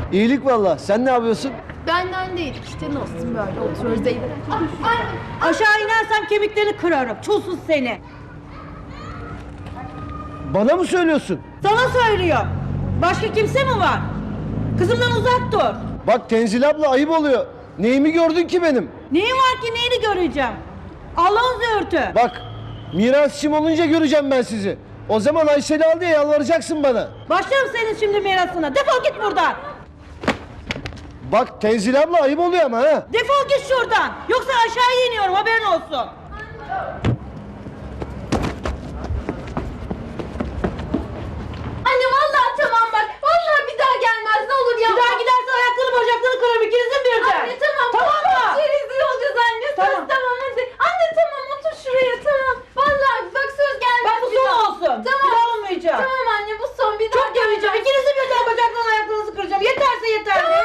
İyilik valla. Sen ne yapıyorsun? Benden değil. İşte nasılsın böyle oturuyoruz Zeynep. Aşağı inersem kemiklerini kırarım. Çulsuz seni. Bana mı söylüyorsun? Sana söylüyor. Başka kimse mi var? Kızımdan uzak dur. Bak Tenzil abla ayıp oluyor. Neyimi gördün ki benim? Neyin var ki neyini göreceğim? Allah'ın zöğürtü. Bak mirasçım olunca göreceğim ben sizi. O zaman Ayşe'li al diye yalvaracaksın bana. Başlarım senin şimdi mirasına. Defol git buradan. Bak Tenzil abla ayıp oluyor ama ha. Defol git şuradan. Yoksa aşağıya iniyorum haberin olsun. Anne vallahi tamam bak. Vallahi bir daha gelmez ne olur ya. Bir daha gidersen ayaklarını bacaklarını kırarım ikinizin birden. Anne tamam. Tamam mı? Rezil olacağız anne. Söz Tamam. tamam hadi. Anne tamam otur şuraya tamam. Vallahi bak söz gelmez. Bak bu bir son daha. olsun. Tamam. Bir daha olmayacak. Tamam anne bu son bir daha Çok göreceğim. İkinizin birden bacaklarını ayaklarınızı kıracağım. Yeterse yeter. Tamam